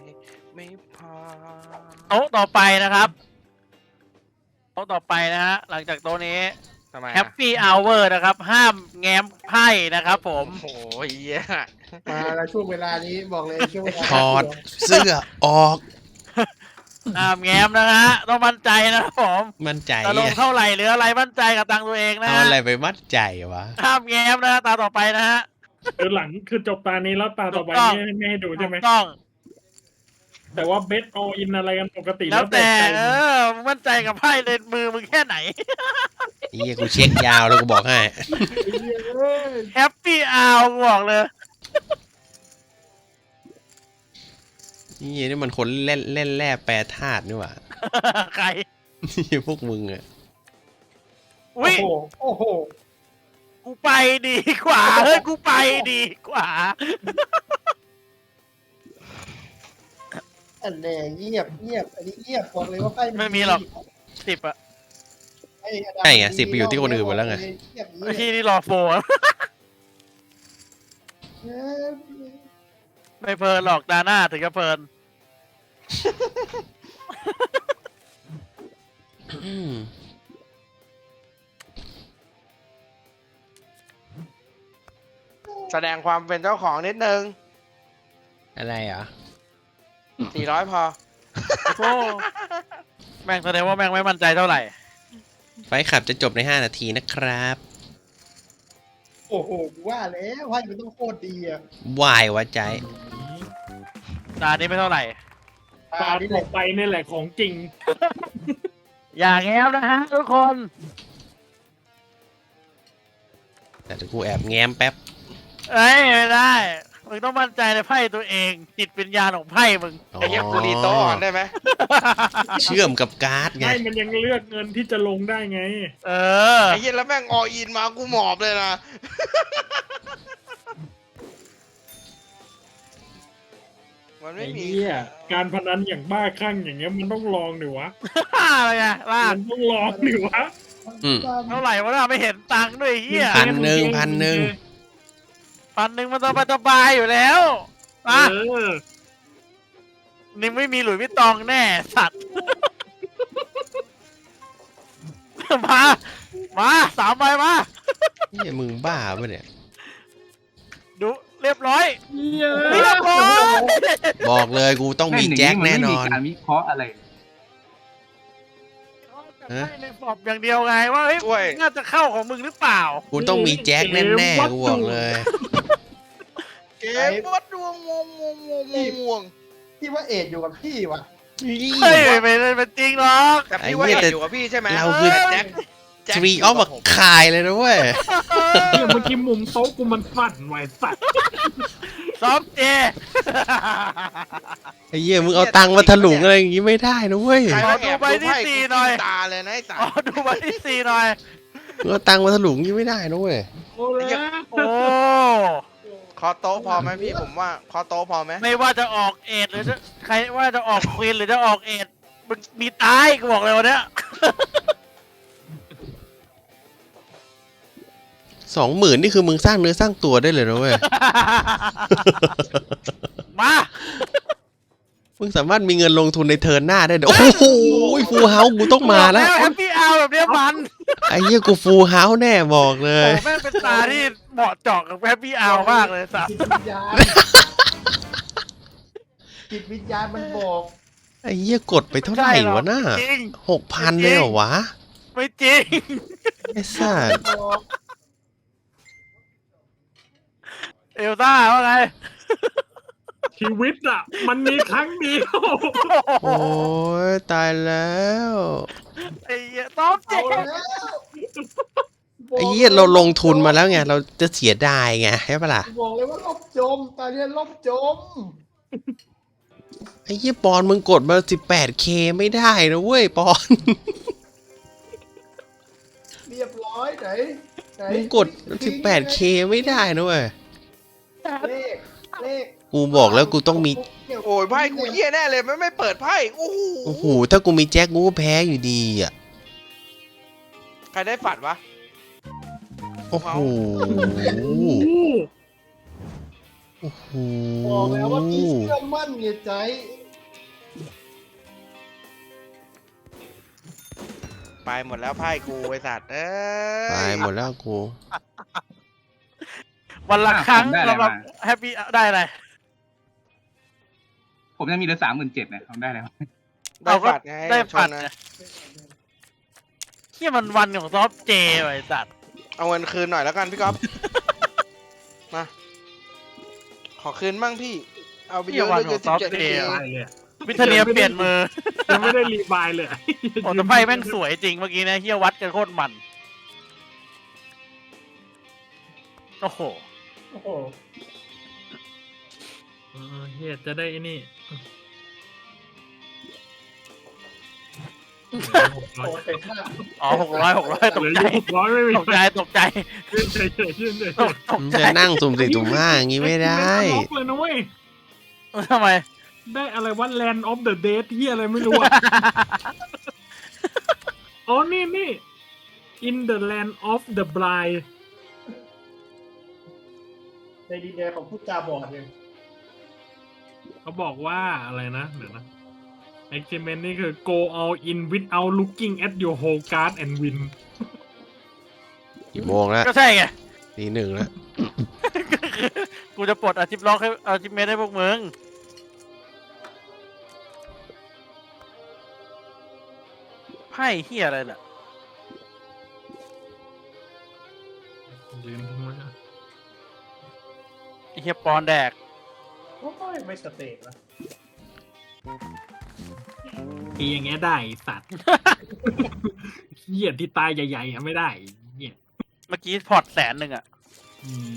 ไม่พอโต๊ะต่อไปนะครับโต๊ะต่อไปนะฮะหลังจากโต๊ะนี้ทำไมแฮปปี้อเวอร์นะครับ ห้ามแง้มไพ่นะครับผมโอ้โหเหี้ยมาแล้วช่วงเวลานี้บอกเลยช่วงเวลาถอดเสื้อออกห้ามแง้มนะฮะต้องมั่นใจนะครับผมมั่นใจจะลงเท่าไหร่หรืออะไรมั่นใจกับตังค์ตัวเองนะเอาฮะอะไรไปมั่นใจวะห้ามแง้มนะฮะตาต่อไปนะฮะคือหลังคือจบตานี้แล้วตาต่อไปถูกต้องไม่ให้ดูใช่ไหมถูกต้องแต่ว่าเบสออินอะไรกันปกติแล้วแต่ใจมึงมั่นใจกับไพ่เลนมือมึงแค่ไหนไอ้เหี้ยกูเช็คยาวเลยกูบอกให้แฮปปี้อาวบอกเลยนี่มันคนเล่นแร่แปรธาตุนี่หว่าใครนี่พวกมึงอะโอ้อุ้ยโหโอ้โหกูไปดีกว่าเฮ้ยกูไปดีกว่าอันแน่เงียบอันนี้เงียบบอกเลยว่าไพ่ไม่มีหรอก 10 อ่ะใช่ไง10ไปอยู่ที่คนอื่นหมดแล้วไงไอ้ที่นี่รอโฟร์ไม่เพลินหรอกตาหน้าถึงจะเพลินอืมแสดงความเป็นเจ้าของนิดนึงอะไรเหรอ 400 พอโอ้แม่งแสดงว่าแม่งไม่มั่นใจเท่าไหร่ไฟขับจะจบใน5 นาทีนะครับโอ้โหว่าแล้วไพ่มันต้องโคตรดีอ่ะวายวะใจตานี้ไม่เท่าไหร่ตาต่อไปนี่แหละของจริงอย่างแง้มนะฮะทุกคนแต่เดี๋ยวกูแอบแง้มแป๊บเอ้ยไม่ได้ มึงต้องมั่นใจในไพ่ตัวเอง จิตวิญญาณของไพ่มึงไอ้เหี้ยกูรีโต้ก่อนได้ไหมเชื่อมกับการ์ดไงให้มันยังเลือกเงินที่จะลงได้ไงเออไอ้เหี้ยแล้วแม่งออินมากูหมอบเลยนะ มันไม่ไอ้มีเนี่ยการพนันอย่างบ้าคลั่งอย่างเงี้ยมันต้องลองดิวะอะไรไงล่ามันต้องลองดิวะอืมเท่าไหร่วะน่ะไม่เห็นตังค์ด้วยไอ้เฮียพันหนึ่ง 1,000มันสบายๆอยู่แล้วอ่ะเออนี่ไม่มีหลุยส์วิตตองแน่สัตว์ มา3 ใบมานี่มึงบ้าปะเนี่ยดูเรียบร้อยเยอะเรียบร้อยบอกเลยกูต้องมีแจ็คแน่นอนไม่มีการวิเคราะห์อะไรในฟอบอย่างเดียวไงว่าเฮ้ยช่วยน่าจะเข้าของมึงหรือเปล่ากูต้องมีแจ็คแน่ๆกูบอกเลยเกมวัดดวงวงพี่ว่าเอดอยู่กับพี่ว่ะเฮ้ยไม่ได้เป็นจริงหรอกแต่พี่ว่าไอ้เหี้เอ็ยดอยู่กับพี่ใช่ไหมเราคือแจ็คทรีออฟมาคายเลยนะเว้ยเนี่ยเมื่อกี้มุมโต๊ะกูมันสั่นไหวสัตว์ซ้อมเจไอ้เหี้ยมึงเอาตังค์มาถลุงอะไรอย่างงี้ไม่ได้นะเว้ยใครขอมาดูแอบใบดูที่ไพ่สี่กูหน่อยตาเลยนะไอ้สัสอ๋อดูใบที่สี่หน่อยมึงเอาตังค์มาถลุงอย่างงี้ไม่ได้นะเว้ยโอ้แล้วโอ้คอโต๊ะพอไหมพี่ผมว่าคอโต๊ะพอไหมไม่ว่าจะออกเอ็ดหรือจะใครว่าจะออกควีนหรือจะออกเอ็ดมันมีตายกูบอกเลยวันเนี้ย 20,000นี่คือมึงสร้างเนื้อสร้างตัวได้เลยนะเว้ยมามึงสามารถมีเงินลงทุนในเทิร์นหน้าได้ด้วยโอ้โหฟูลเฮาส์กูต้องมาแล้วแฮปปี้เอาแบบเนี้ยมันไอ้เหี้ยกูฟูลเฮาส์แน่บอกเลโอ้ยแม่งเป็นตาที่เหมาะเจาะกับแฮปปี้เอามากเลยสัสจิตวิญญาณจิตวิญญาณมันบอกไอ้เหี้ยกดไปเท่าไหร่วะน่าจริง 6,000เลยเหรอวะไม่จริงไอ้สัสบอกเอลซ่าว่าไงชีวิตอ่ะ มันมีครั้งเดียวโอ้ยตายแล้วไอ้เหี้ยซ้อมเจ๊เอาแล้วไอ้เหี้ยเราลงทุนมาแล้วไงเราจะเสียดายไงใช่ปะล่ะบอกเลยว่าลบจมตอนนี้ลบจมไอ้เหี้ยปอนมึงกดมา 18K ไม่ได้นะเว้ยปอนเรียบร้อยไหนมึงกด 18K ไม่ได้นะเว้ยเลขกูบอกแล้วกูต้องมีโอ้ยไพ่กูเหี้ยแน่เลยไม่เปิดไพ่โอ้โหโอ้โหถ้ากูมีแจ็คกูก็แพ้อยู่ดีอ่ะใครได้ฝันวะโอ้โหโอ้โหบอกแล้วว่าพี่เชื่อมั่นไงใจไปหมดแล้วไพ่กูไอ้สัตว์เอ้ยตายหมดแล้วกูวันละครั้งผมได้อะไรสำหรับมาแฮปปี้ได้อะไรผมยังมีเหลือ37,000เนี่ยผมได้แล้วได้ฝัดไงได้ชฝันดนะไงที่มันวันของซอฟต์เจไอ้สัตว์เอาเงินคืนหน่อยแล้วกันพี่ก๊อฟ มา ขอคืนบ้างพี่ เอาไปเยอะเลยเจ็ดสิบเจ็ดตายเลยอะวิทเนียเปลี่ยนมือยังไม่ได้รีบายเลยโอ้แต่ไพ่แม่งสวยจริงเมื่อกี้นะเฮียวัดกันโคตรมัน โอ้โหโอ้โหเฮียจะได้ไอ้นี่โอ้เต็มมากอ๋อ600ตกเหลือใจอยู่600ไม่มีตกใจตกใจยื่นเฉยๆยื่นเฉยตกผมใจจะนั่งสุ่มสี่สุ่มห้าอย่างงี้ไม่ได้ล็อกเลยนะเว้ยทำไมได้อะไรว่า Land of the Dead ที่อะไรไม่รู้อะอ๋อนี่ In the Land of the Blind ในดินแดนของผู้จาบอดเนี่ยเขาบอกว่าอะไรนะเดี๋ยวนะ Achievement นี่คือ go all in without looking at your whole card and win กี่โมงแล้วก็ใช่ไงตี 1แล้วกูจะปลดอาชิพล็อกให้อาชิพเมทให้พวกมึงไพ่เฮียอะไรน่ะยืนทิ้งไว้อะไอ้เฮียปอนแดกโอ้ยไม่สเตตละทีอย่างเงี้ยได้ไอ้สัตว์ เหี้ยที่ตายใหญ่ๆอะไม่ได้เหี้ยเมื่อกี้พอร์ต100,000อ่ะอืม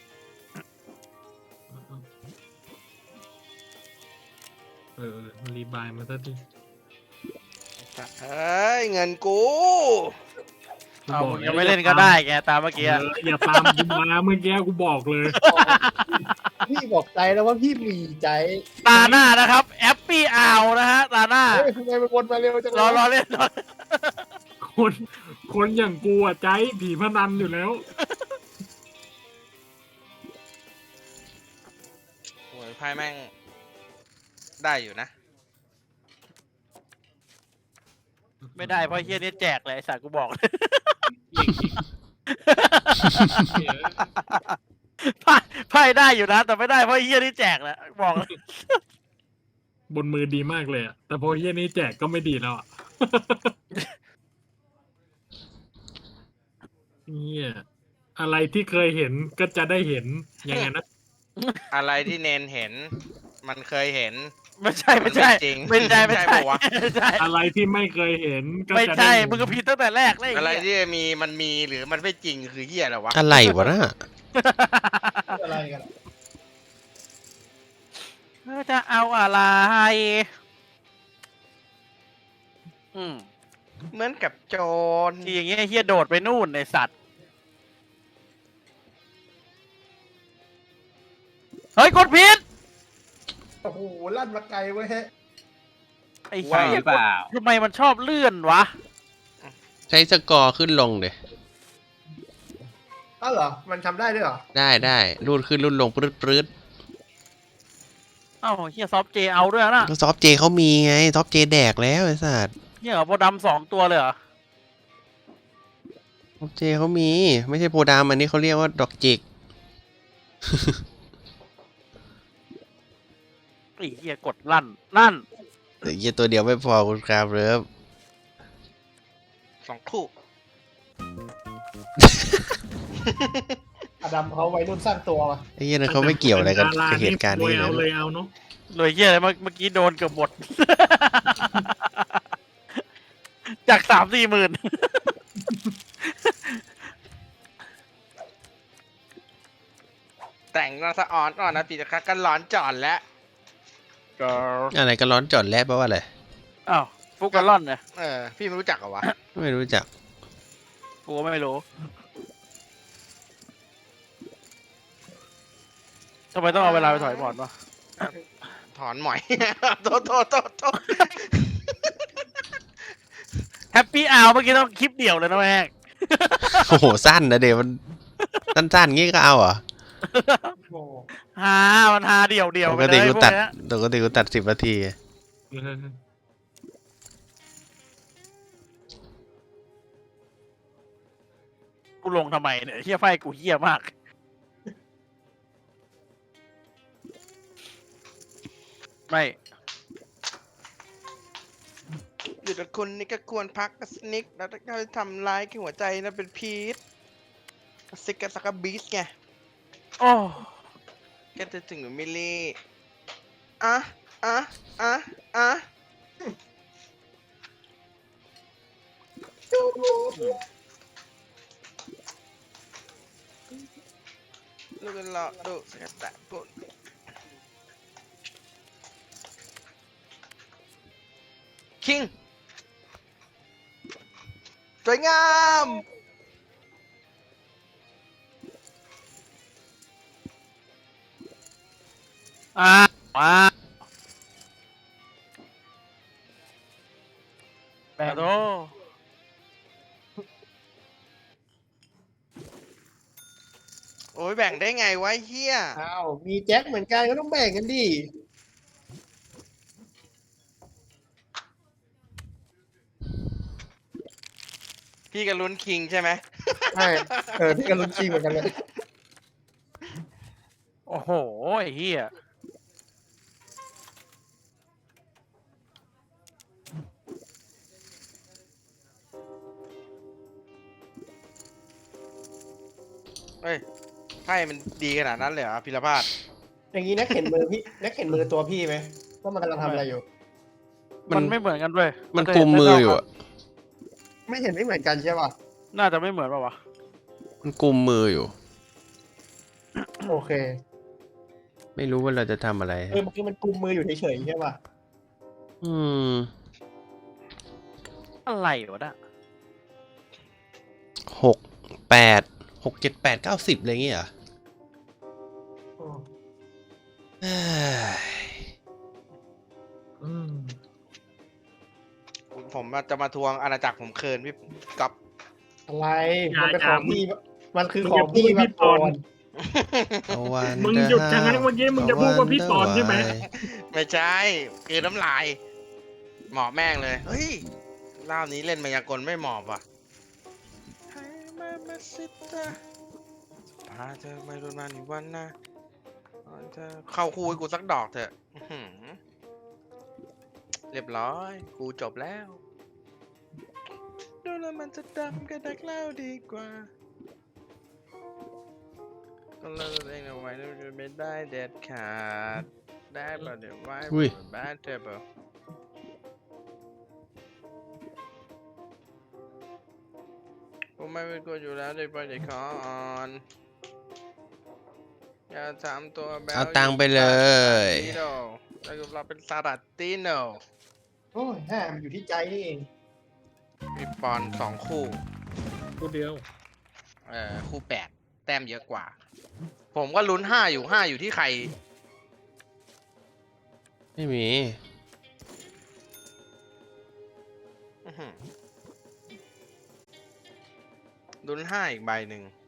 รีบายมาสักทีเฮ้ย เงินกูเอามึงยังไม่เล่นก็ได้แกตามเมื่อกี้อะอย่าตามกูมาเมื่อกี้กูบอกเลยพี่บอกใจแล้วว่าพี่มีใจตาหน้านะครับแอปปี้อาวนะฮะตาหน้าเฮ้ยทำไมมันวนมาเร็วจังเลยรอเล่นรอคนอย่างกูอะใจผีพนันอยู่แล้วโอ้ยไพ่แม่ง ได้อยู่นะไม่ได้เพราะเฮียนี่แจกเลยไอ้สัตว์กูบอกเลย ไพ่ได้อยู่นะ แต่ไม่ได้เพราะเฮียนี่แจกแหละบอกเลยบนมือดีมากเลยอะแต่พอเฮียนี้แจกก็ไม่ดีแล้วอะเฮียอะไรที่เคยเห็นก็จะได้เห็นยังไงนะอะไรที่เนนเห็น มันเคยเห็นไม่ใช่มันไม่จริงไม่ใช่ไม่ใช่ปะวะไม่ใช่อะไรที่ไม่เคยเห็นก็ไม่จะได้ใช่เห็นมึงก็ผิดตั้งแต่แรกเลยอะไรไอ้เหี้ยที่มันมีหรือมันไม่จริงคือเหี้ยอะไรวะอะไรวะน่ะอะไรกันอะจะเอาอะไรอืมเหมือนกับโจรที่อย่างเงี้ยเฮียโดดไปนู่นในสัตว์เฮ้ยกดผิดโอ้โหลั่นมาไกลเว้ยไอ้ใช่เหี้หยรือเปล่าทำไมมันชอบเลื่อนวะใช้สกอร์ขึ้นลงเดยอ้าวเหรอ มันทำได้ด้วยเหรอได้รูดขึ้นรูดลงปรื๊ดเอ้าเฮียซอฟเจเอาด้วยนะก็ซอฟเจเขามีไงซอฟเจแดกแล้วไอ้สัตว์เฮียเหรอโพดำ2 ตัวเลยเหรอซอฟเจเขามี ไม่ใช่โพดามอันนี้เขาเรียกว่าดอกจิกไอ้เฮียกดลั่นแต่ยี่ตัวเดียวไม่พอคุณครับเริฟ 2 คู่อดัมเขาวัยรุ่นสร้างตัวมาไอ้ยี่นั่นเขาไม่เกี่ยวอะไรกับเหตุการณ์นี้เอานะเลยเอาเนาะเลยเฮียอะไรเมื่อกี้โดนเกือบหมด จาก3-4 หมื่นแต่งมาสะอ่อนอ่อนนะปีตะคักกันร้อนจอดแล้วอะไรก็ร้อนจอดแล้วแปลว่าอะไรอ้าวฟุกกะล่อนเนี่ยพี่ไม่รู้จักเหรอวะไม่รู้จักกูก็ไม่รู้ทำไมต้องเอาเวลาไปถอยบอร์ดวะถอนหมอย โทษแฮปปี้อาวเมื่อกี้ต้องคลิปเดี่ยวเลยนะแม่งโอ้โหสั้นนะเดี๋ยวมันสั้นๆงี้ก็เอาเหรอโอ้มันฮาเดี่ยวปไปกเลติยกูพวกตัดเนี้ยปกติกูตัด10 นา ทีกูลงทำไมเนี่ยเฮียไพ่กูเฮียมาก ไม่หยุดกับคุณนี่ก็ควรพักกับสนิกแล้วถ้าทำร้ายที่หัวใจนะเป็นพีทซิกกับสักกับบีสไงโอ้แกจะถึงหรือมิลลี่อ่ะอ่ะอ่ะอ่ะลูกกันหลอกดูสกัดแต่ปุ่นคิงสวยงามอ่ามาแบโตโอ้ยแบ่งได้ไงวะเฮียอ้าวมีแจ็คเหมือนกันก็ต้องแบ่งกันดิพี่กับลุ้นคิงใช่ไหมใช่พี่กันลุ้นชิงเหมือนกันเลยโอ้โหไอ้เฮียเฮ้ยไพ่มันดีขนาดนั้นเลยเหรอพิรพาสอย่างนี้นักเห็นมือพี่นักเห็นมือตัวพี่ไหมว่ามันกำลังทำอะไรอยู่มันไม่เหมือนกันด้วยมันกุมมืออยู่อะไม่เห็นไม่เหมือนกันใช่ป่ะน่าจะไม่เหมือนป่าวะมันกุมมืออยู่โอเคไม่รู้ว่าเราจะทำอะไรเมื่อกี้มันกุมมืออยู่เฉยๆใช่ป่ะอืมอะไรวะน่ะ 6 8 6 7 8 9 10อะไรอย่างเงี้ยเหรอเอ้ยอืมผมจะมาทวงอาณาจักรผมเคินพี่กับอะไรมันเป็นของพี่มันคือของพี่มาก่อนเอาวันมึงหยุดชะงักเมื่อกี้มึงจะพูดว่าพี่ตอนใช่ไหมไม่ใช่คือน้ำลาย หมอบแม่งเลย เฮ้ยรอบนี้เล่นมายากลไม่หมอบว่ะให้มามาสิตาพาเธอไม่รุนมาหนึ่งวันนะเธอเข้าคู่ให้กูสักดอกเถอะอื้อหือเรียบร้อย กูจบแล้วดูแล้วมันจะดำกับดักเล่าดีกว่าก็เลิกเองเอาไว้แล้วจะไม่ได้เด็ดขาดได้ป่ะเดี๋ยวไว้บ้านเธอเปล่าผมไม่เป็นคนอยู่แล้วเดี๋ยวไปเดี๋ยวขออ่อนอย่าทำตัวแบบเอาตังค์ไปเลยแล้วเราเป็นซาดัตติโนโอ้ยแหมอยู่ที่ใจนี่เองมีปอนสองคู่ตัวเดียวคู่แปดแต้มเยอะกว่า ผมก็ลุ้นห้าอยู่ที่ใครไม่มีอื้อหือลุ้นห้าอีกใบหนึ่ง